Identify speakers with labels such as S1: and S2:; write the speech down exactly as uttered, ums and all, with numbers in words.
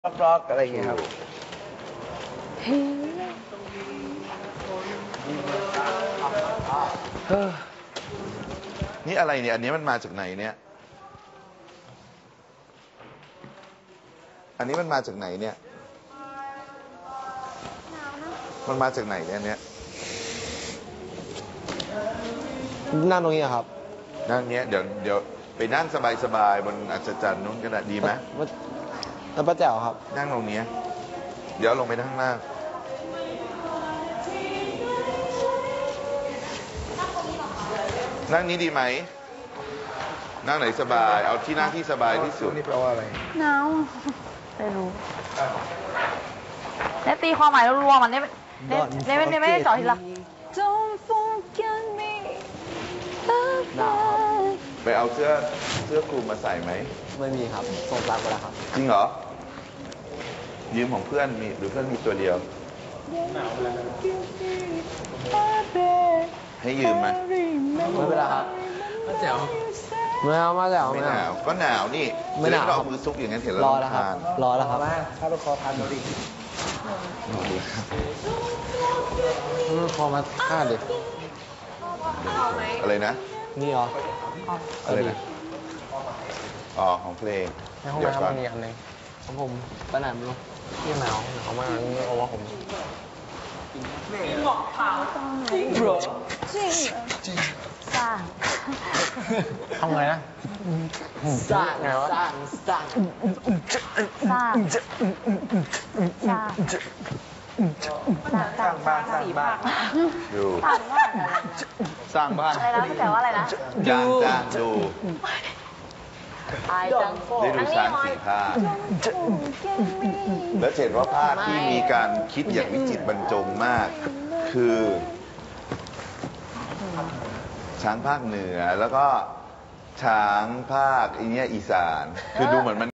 S1: ร็อกๆอะไรอย่างเงี้ยครับ
S2: นี่อะไรเนี่ยอันนี้มันมาจากไหนเนี่ยอันนี้มันมาจากไหนเนี่ยมันมาจากไหนเนี่ยเนี่ย
S1: นั่งตรงนี้ครับ
S2: นั่งเนี้ยเดี๋ยวเดี๋ยวไปนั่งสบายๆบนอัศจรรย์นู้นก็ได้ดีไหม
S1: แล้วป้าแจ๋วครับ
S2: นั่งตรงนี้เดี๋ยวลงไปข้างล่างนั่งนี้ดีไหมนั่งไหนสบายเอาที่นั่งที่สบายที่สุด
S1: นี่แปลว่าอะไร
S3: หนาวไม่รู้เนี่ยตีความหมายรัวๆมันเนี่ยเนี่ยเนี่ยไม่ได้เจาะทีละ Don't forget me
S2: ไปเอาเสื้อเสื้อคลุมมาใส่ไหม
S1: ไม่มีครับส่งตามไปแล้วครับ
S2: จริงเหรอยืมของเพื่อนมีหรือเพื่อนมีตัวเดียวให้ยืมไหม
S1: ไม่เป็นไรครับมาแจ๋วไม่เอามาแจ๋ว
S2: ไม่หนาวก็หนาวนี่ไม่หนาวเรามือซุกอย่างนั้นเห็นแล้ว
S1: รอแล้วครับรอแล้วครับถ้าไปคอพันมาดิคอมาฆ่าดิ
S2: อะไรนะ
S1: นี่เหรอ
S2: อะไรนะอ๋อของเพลง
S1: ในห้องน้ำมันมีอันนึงของผมไปไหนไม่รู้ที่หนาวหนาวมากนี่เอาว่าผมบอกเปล่าจริงเหรอจริงจริงสร้างทำไงนะสร้างไงวะสร้างสร้าง
S3: สร้างสร้างสร้างบ้านสร้างบ้าน
S2: ดู
S3: สร้างบ้านอะไรนะแต่ว่าอะไรนะ
S2: จ้างจ้างดู
S3: ได้
S2: ดูช้างสี่ภาคแล้วเห็นว่าภาคที่มีการคิดอย่างวิจิตรบรรจงมากคือช้างภาคเหนือแล้วก็ช้างภาคอีเนี้ยอีสานคือดูเหมือนมัน